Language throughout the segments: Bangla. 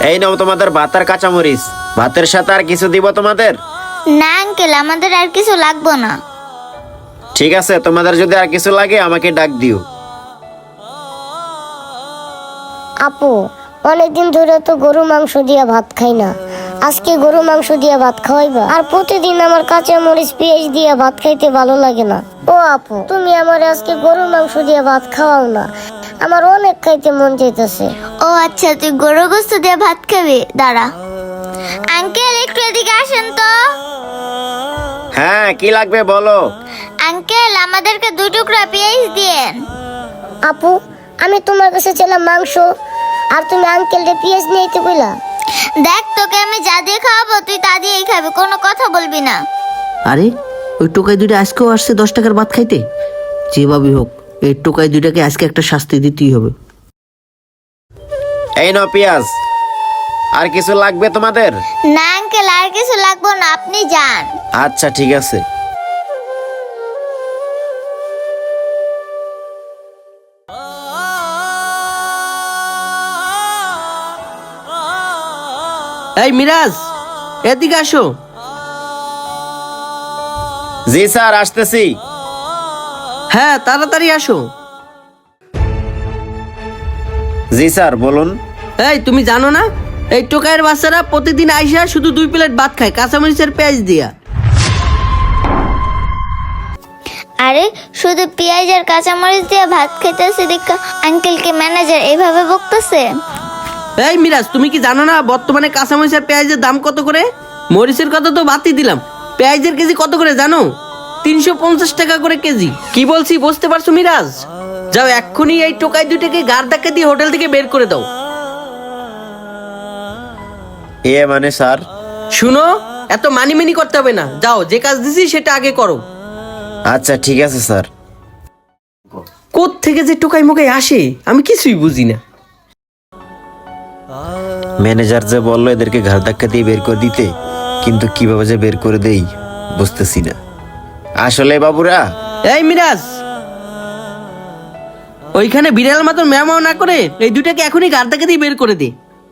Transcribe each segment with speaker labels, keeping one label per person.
Speaker 1: এই নাও তোমাদের ভাত আর কাঁচামরিচ। ভাতের সাথে আর কিছু দিব তোমাদের?
Speaker 2: না আঙ্কেল, আমাদের আর কিছু লাগবে না।
Speaker 1: ঠিক আছে, তোমাদের যদি আর কিছু লাগে আমাকে ডাক দিও।
Speaker 3: আপু, অনেকদিন ধরে তো গরু মাংস দিয়ে ভাত খাই না, আজকে গরু মাংস দিয়ে ভাত খাওয়াইবা? আর প্রতিদিন আমার কাঁচা মরিচ পেঁয়াজ দিয়ে ভাত খাইতে ভালো লাগে না। ও আপু, তুমি আমার আজকে গরু মাংস দিয়ে ভাত খাওয়াও না, আমার অনেক খাইতে মন চাইতেছে।
Speaker 2: ও আচ্ছা, তুই গরু গোস্ত দিয়ে ভাত খাবি? দাঁড়া। আঙ্কেল, একটু এদিকে আসেন তো।
Speaker 1: হ্যাঁ, কি লাগবে বলো।
Speaker 2: আঙ্কেল, আমাদেরকে 2 টুকরা পেঁয়াজ দিয়েন।
Speaker 3: আপু, আমি তোমার কাছে ছিলাম মাংস, আর তুমি আঙ্কেলকে পেঁয়াজ নিয়ে আইতে কইলা।
Speaker 2: দেখ, তোকে আমি যা দিয়ে খাওয়াবো তুই তা দিয়েই খাবি, কোনো কথা বলবি না।
Speaker 4: আরে ওই টোকাই দুইটা আজকেও আসছে 10 টাকার ভাত খাইতে। যেভাবেই হোক এই টোকাই দুইটাকে আজকে একটা শাস্তি দিতেই হবে।
Speaker 1: এই নাও পেঁয়াজ। আর কিছু লাগবে তোমাদের?
Speaker 2: না আঙ্কেল, আর কিছু লাগবে না, আপনি যান।
Speaker 1: আচ্ছা ঠিক আছে।
Speaker 4: এই মিরাজ, এদিকে আসো।
Speaker 1: জি স্যার, আসতেছি।
Speaker 4: হ্যাঁ তাড়াতাড়ি আসো।
Speaker 1: জি স্যার, বলুন।
Speaker 4: এই তুমি জানো না এই টোকাইয়ের বাচ্চারা প্রতিদিন আইসা শুধু 2 প্লেট ভাত খায় কাঁচামরিচের পেঁয়াজ দিয়া।
Speaker 2: আরে, শুধু পেঁয়াজ আর কাঁচামরিচ দিয়ে ভাত খেতেছে দেখা আঙ্কেলকে ম্যানেজার এইভাবে বকতেছে।
Speaker 4: এই মিরাজ, তুমি কি জানো না বর্তমানে কাঁচামরিচের পেঁয়াজের দাম কত করে? মরিচের কথা তো বাদই দিলাম, পেঁয়াজের কেজি কত করে জানো? 350 টাকা করে কেজি। কি বলছি বুঝতে পারছো মিরাজ? যাও এক্ষুনি এই টোকাই দুইটাকে গাড় ধাক্কা দিয়ে হোটেল থেকে বের করে দাও।
Speaker 1: এ মানে স্যার?
Speaker 4: শুনো, এত মানিমেনি করতে হবে না, যাও যে কাজ দিছি সেটা আগে করো।
Speaker 1: আচ্ছা ঠিক আছে স্যার।
Speaker 4: কোথ থেকে যে টোকাই মোকাই আসে আমি কিছুই বুঝি না।
Speaker 1: ম্যানেজার যে বললো এদেরকে ঘাড় ধাক্কা দিয়ে বের করে দিতে, কিন্তু কিভাবে যে বের করে দেই বুঝতেছি না। আসলে বাবুরা।
Speaker 4: এই মিরাজ, ওইখানে বিড়াল মতন ম্যামাও না করে এই দুটাকে এখনই গাড় ধাক্কা দিয়ে বের করে দে।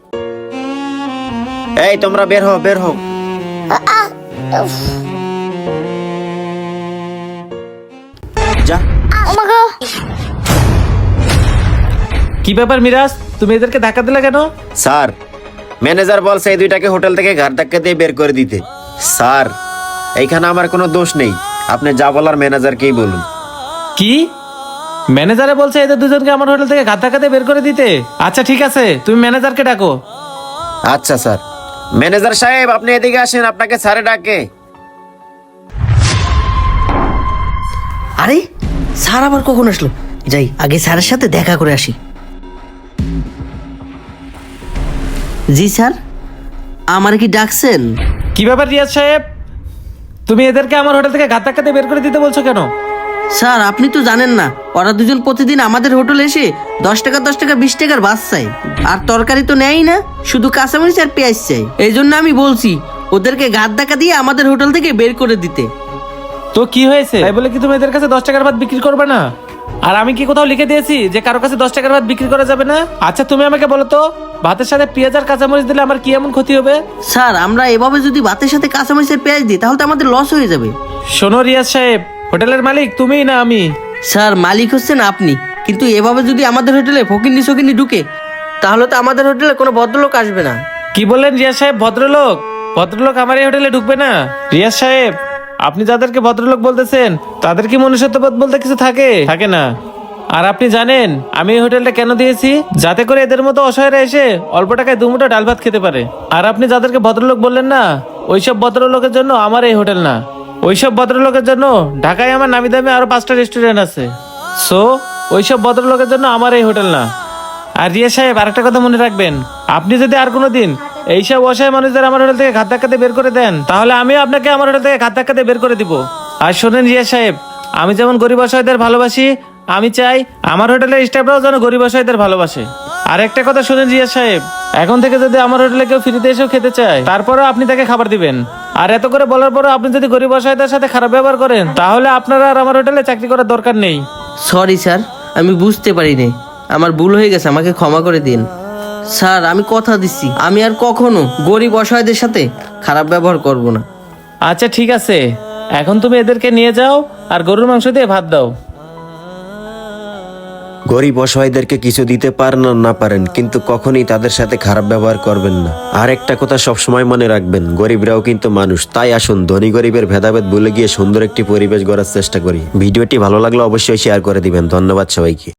Speaker 1: এই তোমরা বের হও, বের হও। যা।
Speaker 2: আমাকে
Speaker 5: কি ব্যাপার মিরাজ, তুমি এদেরকে ধাক্কা দিলে কেন?
Speaker 1: স্যার, ম্যানেজার বলছে এই দুইটাকে হোটেল থেকে ঘাড় ধাক্কা দিয়ে বের করে দিতে। স্যার, এইখানে আমার কোনো দোষ নেই, আপনি যা বলার ম্যানেজারকেই বলুন।
Speaker 5: কি ম্যানেজারে বলছে এদের দুজনকে আমার হোটেল থেকে ঘাত ধাক্কাতে বের করে দিতে? আচ্ছা ঠিক আছে, তুমি ম্যানেজারকে ডাকো।
Speaker 1: আচ্ছা স্যার। ম্যানেজার সাহেব, আপনি এদিকে আসেন, আপনাকে স্যারে ডাকে।
Speaker 4: আরে স্যার আবার কখন আসলো? যাই আগে স্যারের সাথে দেখা করে আসি। জি স্যার, আমার কি ডাকছেন?
Speaker 5: কি ব্যাপার রিয়াজ সাহেব, তুমি এদেরকে আমার হোটেল থেকে ঘাত ধাক্কাতে বের করে দিতে বলছো কেন?
Speaker 4: স্যার আপনি তো জানেন না, ওরা দুজন প্রতিদিন আমাদের হোটেলে এসে 10 টাকা 10 টাকা 20 টাকার ভাত চাই, আর তরকারি তো নেয়ই না, শুধু কাঁচামরিচ আর পেঁয়াজ চাই। এই জন্য আমি বলছি ওদেরকে ঘাত ধাক্কা দিয়ে আমাদের হোটেল থেকে বের করে দিতে।
Speaker 5: তো কি হয়েছে তাই বলে কি তুমি এদের কাছে 10 টাকার ভাত বিক্রি করবে না? আর আমি কি কোথাও লিখে দিয়েছি যে কারো কাছে 10 টাকার ভাত বিক্রি করা যাবে না? আচ্ছা তুমি আমাকে বলো তো, ভাতের সাথে পেঁয়াজ আর কাঁচামরিচ দিলে আমার কি এমন ক্ষতি হবে?
Speaker 4: স্যার আমরা এভাবে যদি ভাতের সাথে কাঁচামরিচের পেঁয়াজ দিই তাহলে তো আমাদের লস হয়ে যাবে।
Speaker 5: শোনো রিয়াজ সাহেব, হোটেলের মালিক তুমিই না আমি।
Speaker 4: স্যার মালিক হচ্ছেন আপনি, কিন্তু এভাবে যদি আমাদের হোটেলে ফকিন্নি সকিন্নি ঢুকে তাহলে তো আমাদের হোটেলে কোনো ভদ্রলোক আসবে না।
Speaker 5: কি বললেন রিয়াজ সাহেব? ভদ্রলোক? ভদ্রলোক আমার এই হোটেলে ঢুকবে না? রিয়াজ সাহেব, আপনি যাদেরকে ভদ্রলোক বলতেছেন তাদের কি মনুষ্যত্ববোধ বলতে কিছু থাকে? থাকে না। আর আপনি জানেন আমি এই হোটেলটা কেন দিয়েছি? যাতে করে এদের মতো অসহায়রা এসে অল্প টাকায় 2 মুঠো ডাল ভাত খেতে পারে। আর আপনি যাদেরকে ভদ্রলোক বললেন না, ওইসব ভদ্রলোকের জন্য আমার এই হোটেল না, ওইসব ভদ্রলোকের জন্য ঢাকায় আমার নামি দামি আরো 5টা রেস্টুরেন্ট আছে। সো ওইসব ভদ্রলোকের জন্য আমার এই হোটেল না। আর রিয়া সাহেব, আরেকটা কথা মনে রাখবেন, আপনি যদি আর কোনোদিন এইসব অসহায় মানুষদের আমার হোটেল থেকে ঘাত ধাক্কাতে বের করে দেন তাহলে আমিও আপনাকে আমার হোটেল থেকে ঘাত ধাক্কাতে বের করে দিব। আর শোনেন রিয়া সাহেব, আমি যেমন গরিব অসহায়দের ভালোবাসি, আমি চাই আমার হোটেলের স্টাফরাও যেন গরিব অসহায়দের ভালোবাসে। আর একটা কথা শুনেন রিয়া সাহেব, এখন থেকে যদি আমার হোটেলে কেউ ফ্রিতে এসেও খেতে চায় তারপরেও আপনি তাকে খাবার দিবেন। আর এত করে বলার পরও আপনি যদি গরিব অসহায়দের সাথে খারাপ ব্যবহার করেন তাহলে আপনারা আর আমার হোটেলে চাকরি করার দরকার নেই।
Speaker 4: সরি স্যার, আমি বুঝতে পারিনি, আমার ভুল হয়ে গেছে, আমাকে ক্ষমা করে দিন। স্যার আমি কথা দিচ্ছি আমি আর কখনো গরিব অসহায়দের সাথে খারাপ ব্যবহার করব না।
Speaker 5: আচ্ছা ঠিক আছে, এখন তুমি এদেরকে নিয়ে যাও আর গরুর মাংস দিয়ে ভাত দাও।
Speaker 1: গরিব অসহায়দেরকে কিছু দিতে পারেন আর না পারেন, কিন্তু কখনই তাদের সাথে খারাপ ব্যবহার করবেন না। আর একটা কথা সবসময় মনে রাখবেন, গরিবরাও কিন্তু মানুষ। তাই আসুন ধনী গরিবের ভেদাভেদ ভুলে গিয়ে সুন্দর একটি পরিবেশ গড়ার চেষ্টা করি। ভিডিওটি ভালো লাগলে অবশ্যই শেয়ার করে দিবেন। ধন্যবাদ সবাইকে।